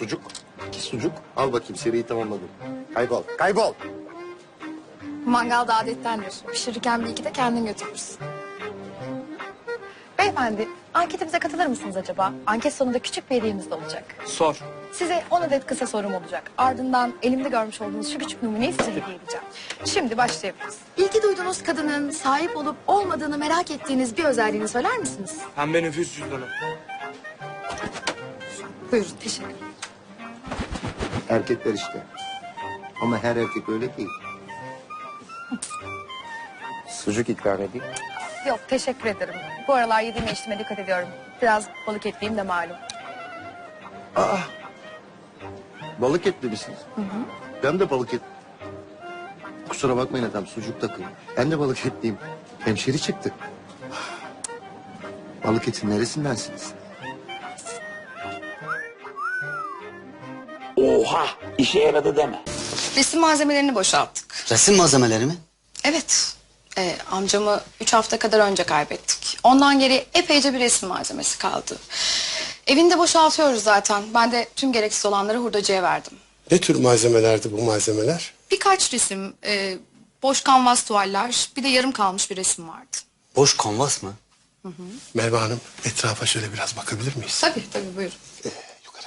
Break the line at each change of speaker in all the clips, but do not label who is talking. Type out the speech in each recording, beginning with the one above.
sucuk, 2 sucuk. Al bakayım, seriyi tamamladım. Kaybol, kaybol.
Mangalda adettendir. Pişirirken bir iki de kendin götürürsün. Beyefendi, anketimize katılır mısınız acaba? Anket sonunda küçük bir hediyemiz de olacak.
Sor.
Size 10 adet kısa sorum olacak. Ardından elimde görmüş olduğunuz şu küçük numuneyi size hediye edeceğim. Şimdi başlayabiliriz. İlgi duyduğunuz kadının sahip olup olmadığını merak ettiğiniz bir özelliğini söyler misiniz?
Pembe nüfus cüzdanı.
Buyurun, teşekkür ederim.
Erkekler işte. Ama her erkek öyle değil. Sucuk ikram edeyim.
Yok, teşekkür ederim. Bu aralar yediğime içtiğime dikkat ediyorum. Biraz balık etliyim de malum.
Balık etli misiniz? Ben de balık et. Kusura bakmayın efendim, sucuk takım. Ben de balık etliyim. Hemşeri çıktı. Balık etin neresindensiniz?
Oha, işe yaradı deme.
Resim malzemelerini boşalttık.
Resim malzemeleri mi?
Evet. Amcamı 3 hafta kadar önce kaybettik. Ondan geri epeyce bir resim malzemesi kaldı. Evini de boşaltıyoruz zaten. Ben de tüm gereksiz olanları hurdacıya verdim.
Ne tür malzemelerdi bu malzemeler?
Birkaç resim, boş kanvas tuvaller, bir de yarım kalmış bir resim vardı.
Boş kanvas mı?
Merve Hanım, etrafa şöyle biraz bakabilir miyiz?
Tabii tabii buyurun.
Yukarı.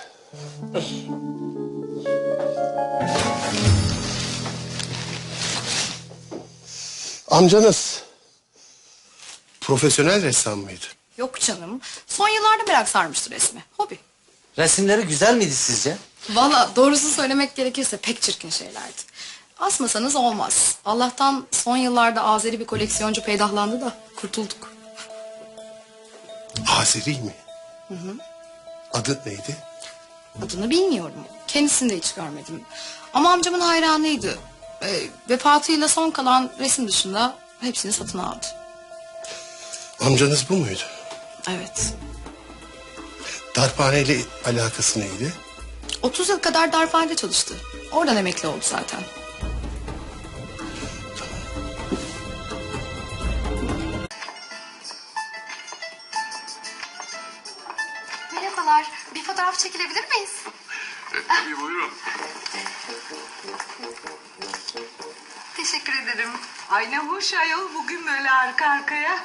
Amcanız profesyonel ressam mıydı?
Yok canım. Son yıllarda merak sarmıştı resme. Hobi.
Resimleri güzel miydi sizce?
Valla doğrusu söylemek gerekirse pek çirkin şeylerdi. Asmasanız olmaz. Allah'tan son yıllarda Azeri bir koleksiyoncu peydahlandı da kurtulduk.
Azeri mi? Adı neydi?
Adını bilmiyorum. Kendisini de hiç görmedim. Ama amcamın hayranıydı. Vefatıyla son kalan resim dışında hepsini satın aldı.
Amcanız bu muydu?
Evet.
Darphaneyle alakası neydi?
30 yıl kadar darphanede çalıştı. Oradan emekli oldu zaten.
Merhabalar, bir fotoğraf çekilebilir miyiz?
Tabii buyurun.
Teşekkür ederim.
Ay ne hoş ayol bugün böyle arka arkaya.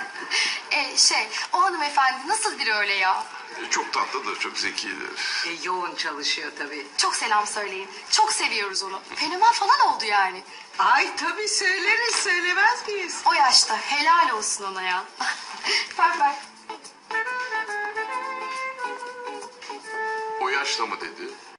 O hanımefendi nasıl biri öyle ya?
Çok tatlıdır, çok zekidir.
Yoğun çalışıyor tabii.
Çok selam söyleyin. Çok seviyoruz onu. Fenomen falan oldu yani.
Ay tabii söyleriz söylemez miyiz?
O yaşta helal olsun ona ya. Ver ver.
O yaşta mı dedi?